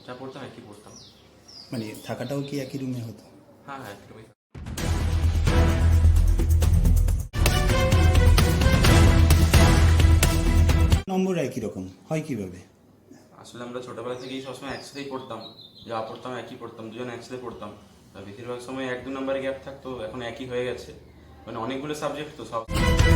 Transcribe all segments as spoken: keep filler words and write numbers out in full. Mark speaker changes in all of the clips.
Speaker 1: যা পড়তাম একই পড়তাম।
Speaker 2: মানে থাকাটাও কি একই রুমে হতো?
Speaker 1: হ্যাঁ হ্যাঁ একই রুমে।
Speaker 2: নম্বর একই রকম হয় কিভাবে?
Speaker 1: আসলে আমরা ছোটোবেলা থেকেই সবসময় একসাথেই পড়তাম, যা পড়তাম একই পড়তাম, দুজন একসাথে পড়তাম। তা বেশিরভাগ সময় এক দু নম্বরে গ্যাপ থাকতো, এখন একই হয়ে গেছে। মানে অনেকগুলো সাবজেক্ট তো সব।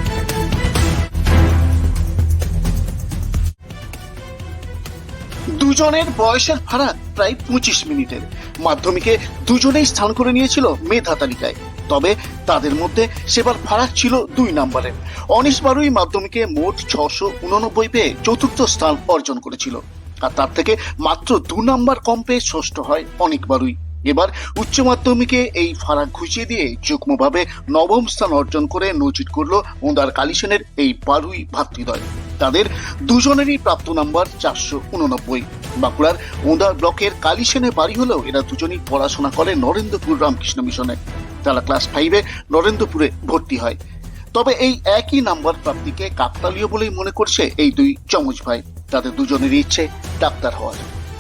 Speaker 3: দুজনের বয়সের ফারাক প্রায় পঁচিশ মিনিটের। মাধ্যমিকে দুজনেই স্থান করে নিয়েছিল মেধা তালিকায়, তবে তাদের মধ্যে সেবার ফারাক ছিল দুই নম্বরের। অনিশ বারুই মাধ্যমিকে মোট ছশো উননব্বই পেয়ে চতুর্থ স্থান অর্জন করেছিল, আর তার থেকে মাত্র দু নাম্বার কম পেয়ে ষষ্ঠ হয় অনিক বারুই। এবার উচ্চ মাধ্যমিকে এই ফারাক ঘুচিয়ে দিয়ে যুগ্মভাবে নবম স্থান অর্জন করে নজির করল ওঁদার কালীসেনের এই বারুই ভাতৃদ্বয়। তাদের দুজনেরই প্রাপ্ত নাম্বার চারশো উননব্বই। বাঁকুড়ার ওঁদা ব্লকের কালীসেনে বাড়ি হলেও এরা দুজনই পড়াশোনা করে নরেন্দ্রপুর রামকৃষ্ণ মিশনে। তারা ক্লাস ফাইভে নরেন্দ্রপুরে ভর্তি হয়। তবে এই একই নাম্বার প্রাপ্তিকে কাকতালীয় বলেই মনে করছে এই দুই যমজ ভাই। তাদের দুজনেরই ইচ্ছে ডাক্তার হওয়ার।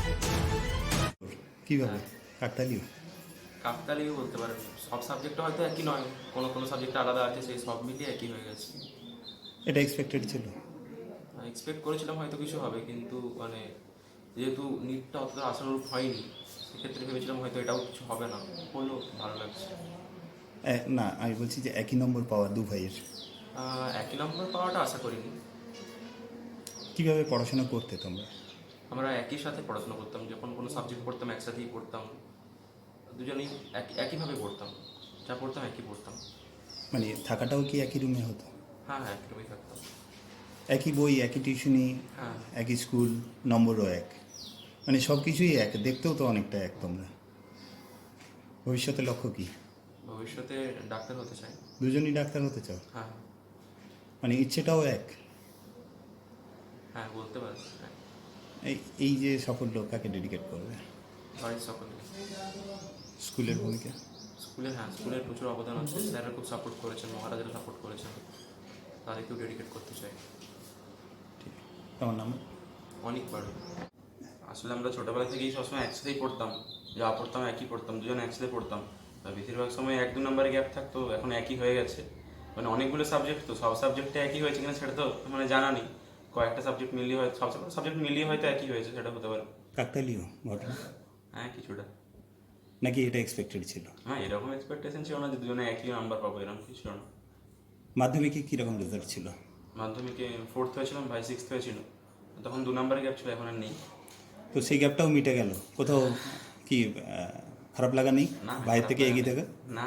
Speaker 2: কিভাবে কাকতালীয়?
Speaker 1: কাকতালীয় বলতে পারেন, সব সাবজেক্টটা হয়তো একই নয়, কোনো কোনো সাবজেক্ট আলাদা আছে, সেই সব মিলিয়ে একই হয়ে গেছে।
Speaker 2: এটা এক্সপেক্টেড ছিল?
Speaker 1: এক্সপেক্ট করেছিলাম হয়তো কিছু হবে, কিন্তু মানে যেহেতু নিটটা অতটা আশানুরূপ হয়নি, সেক্ষেত্রে ভেবেছিলাম হয়তো এটাও কিছু হবে না, হলো, ভালো লাগছে।
Speaker 2: এ- না, আমি বলছি যে একই নম্বর পাওয়া দু ভাইয়ের,
Speaker 1: আহ, একই নম্বর পাওয়াটা আশা করিনি।
Speaker 2: কিভাবে পড়াশোনা করতে তোমরা?
Speaker 1: আমরা একই সাথে পড়াশোনা করতাম, যখন কোনো সাবজেক্ট পড়তাম একসাথেই পড়তাম, দুজনেই একই একইভাবে পড়তাম, যা পড়তাম একই পড়তাম।
Speaker 2: মানে থাকাটাও কি একই রুমে হতো?
Speaker 1: হ্যাঁ হ্যাঁ একই রুমেই থাকতাম।
Speaker 2: একই বই, একই টিউশনি,
Speaker 1: হ্যাঁ
Speaker 2: একই স্কুল, নম্বরও এক, মানে সব কিছুই এক, দেখতেও তো অনেকটা এক। তোমরা ভবিষ্যতে লক্ষ্য কি?
Speaker 1: ভবিষ্যতে ডাক্তার হতে চাই।
Speaker 2: দুজনই ডাক্তার হতে চাও?
Speaker 1: হ্যাঁ
Speaker 2: মানে ইচ্ছেটাও এক?
Speaker 1: হ্যাঁ বলতে পারি, হ্যাঁ।
Speaker 2: এই এই যে সাফল্য কাকে ডেডিকেট করবে?
Speaker 1: বাড়ির সকলকে।
Speaker 2: স্কুলের ভূমিকা?
Speaker 1: স্কুলে, হ্যাঁ স্কুলের প্রচুর অবদান আছে, স্যাররা খুব সাপোর্ট করেছেন, মহারাজারা সাপোর্ট করেছেন, তাদেরকেও ডেডিকেট করতে চাই।
Speaker 2: ঠিক। তোমার নাম?
Speaker 1: অনেক বাড়ি। আসলে আমরা ছোটোবেলা থেকেই সবসময় একসাথেই পড়তাম, যা পড়তাম একই পড়তাম, দুজন একসাথে পড়তাম। আর বেশিরভাগ সময় এক দু নম্বরে গ্যাপ থাকতো, এখন একই হয়ে গেছে। মানে অনেকগুলো সাবজেক্ট তো সব সাবজেক্টে একই হয়েছে কিনা সেটা তো মানে জানা নেই, কয়েকটা সাবজেক্ট মিলিয়ে হয়, সব সাবজেক্ট মিলিয়ে হয়তো একই হয়েছে, সেটা হতে পারে।
Speaker 2: কাকতালীয় ঘটনা
Speaker 1: হ্যাঁ কিছুটা।
Speaker 2: নাকি এটা এক্সপেক্টেড ছিল?
Speaker 1: হ্যাঁ এরকম এক্সপেকটেশন ছিল না যে দুজনে একই নাম্বার পাবো, এরকম কিছু ছিল না।
Speaker 2: মাধ্যমিকে কীরকম রেজাল্ট ছিল?
Speaker 1: মাধ্যমিকে ফোর্থ হয়েছিলাম, ভাই সিক্সথ হয়েছিল, তখন দু নম্বরে গ্যাপ ছিল, এখন আর নেই।
Speaker 2: তো সেই গ্যাপটাও মিটে গেল, কোথাও কি আহ, খারাপ লাগা নেই
Speaker 1: না
Speaker 2: বাইরে থেকে এগিয়ে থেকে?
Speaker 1: না,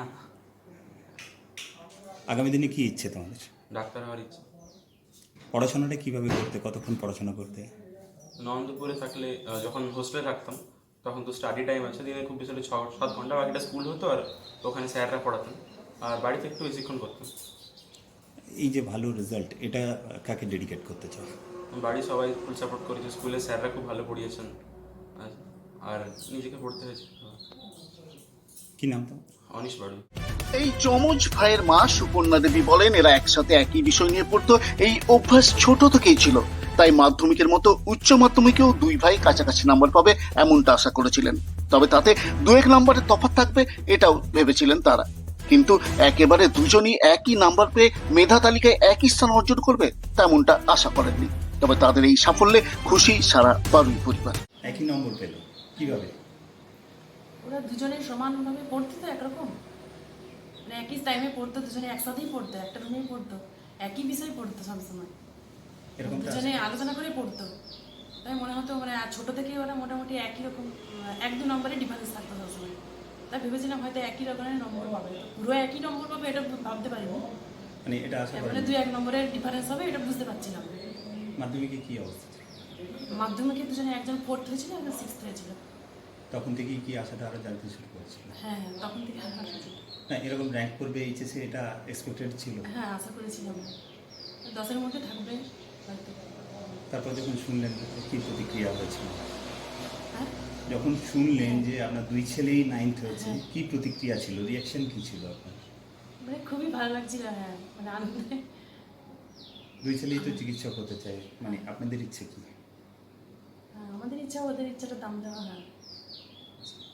Speaker 2: আগামী দিনে কি ইচ্ছে তোমাদের?
Speaker 1: ডাক্তার হওয়ার ইচ্ছে।
Speaker 2: পড়াশোনাটা কিভাবে করতে, কতক্ষণ পড়াশোনা করতে?
Speaker 1: নন্দপুরে থাকলে আহ, যখন হোস্টেলে থাকতাম তখন তো স্টাডি টাইম আছে, দিনে খুব বেশি হলে ছ সাত ঘন্টা, বাকিটা স্কুল হতো, আর ওখানে স্যাররা পড়াতেন, আর বাড়িতে একটু বেশিক্ষণ করতাম।
Speaker 2: এই যে ভালো রেজাল্ট, এটা কাকে ডেডিকেট করতে চাও?
Speaker 1: বাড়ির সবাই ফুল সাপোর্ট করেছে, স্কুলের স্যাররা খুব ভালো পড়িয়েছেন, আর- আর নিজেকে পড়তে হয়েছে।
Speaker 2: কি নাম তো?
Speaker 1: অনিশ বাড়ি।
Speaker 3: এই যমজ ভাইয়ের মা সুপর্ণা দেবী বলেন, এরা একসাথে একই বিষয় নিয়ে পড়তো, এই অভ্যাস ছোট থেকেই ছিল। তাই মাধ্যমিকের মতো উচ্চ মাধ্যমিকেও দুই ভাই কাছাকাছি নাম্বার পাবে এমনটা আশা করেছিলেন। তবে তাতে দু এক নাম্বারের তফাৎ থাকবে এটাও ভেবেছিলেন তারা। কিন্তু একেবারে দুজনই একই নাম্বার পেয়ে মেধা তালিকায় একই স্থান অর্জন করবে তেমনটা আশা করেননি। তবে তাদের এই সাফল্যে খুশি সারা বারুই পরিবার।
Speaker 2: একই নম্বর পেল কিভাবে?
Speaker 4: ওরা দুজনে সমানভাবে পড়তো তো একরকম, মানে একই টাইমে পড়তো, দুজনে একসাথেই পড়তো, একটা রুমেই পড়তো, একই বিষয় পড়তো সবসময়,
Speaker 2: এরকম
Speaker 4: দুজনে আলোচনা করে পড়তো। তাই মনে হতো মানে ছোট থেকেই ওরা মোটামুটি একই রকম, আহ, এক দু নম্বরে ডিফারেন্স থাকতো সবসময়। তাই ভেবেছিলাম হয়তো একই রকমের নম্বর পাবে, তো পুরো একই নম্বর পাবে এটা ভাবতে পারিনি,
Speaker 2: মানে এটা আশা
Speaker 4: মানে
Speaker 2: করেন?
Speaker 4: দুই এক নম্বরের ডিফারেন্স হবে এটা বুঝতে পারছিলাম।
Speaker 2: মাধ্যমিকে কি অবস্থা ছিল?
Speaker 4: মাধ্যমিকে দুজনে একজন ফোর্থ হয়েছিল, একজন সিক্সথ হয়েছিল।
Speaker 2: তখন থেকেই কি আশাটা আরো জানতে শুরু করেছিল?
Speaker 4: হ্যাঁ হ্যাঁ তখন থেকে আশা করেছিলাম।
Speaker 2: না, এরকম র্যাঙ্ক করবে এইচএসে, এটা এক্সপেক্টেড ছিল?
Speaker 4: হ্যাঁ আশা করেছিলাম দশের মধ্যে থাকবে হয়তো।
Speaker 2: তারপর যখন শুনলেন কি প্রতিক্রিয়া হয়েছিল?
Speaker 4: হ্যাঁ
Speaker 2: যখন শুনলেন যে আপনার দুই ছেলেই নাইন্থ হয়েছে,
Speaker 4: হ্যাঁ।
Speaker 2: কি প্রতিক্রিয়া ছিল, রিয়াকশন কি ছিল আপনার?
Speaker 4: মানে খুবই ভালো লাগছিল, হ্যাঁ মানে আনন্দে।
Speaker 2: দুই ছেলেই তো চিকিৎসক হতে চায়, মানে আপনাদের ইচ্ছে কি?
Speaker 4: হ্যাঁ, আমাদের ইচ্ছা ওদের ইচ্ছাটা দাম দেওয়া, হ্যাঁ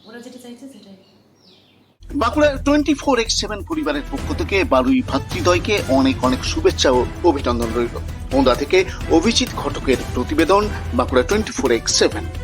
Speaker 4: ওরা যেটা চাইছে সেটাই।
Speaker 3: Bankura twenty four X seven পরিবারের পক্ষ থেকে বারুই ভাতৃদ্বয়কে অনেক অনেক শুভেচ্ছা ও অভিনন্দন রইল। ওন্দা থেকে অভিজিৎ ঘটকের প্রতিবেদন, Bankura twenty four X seven.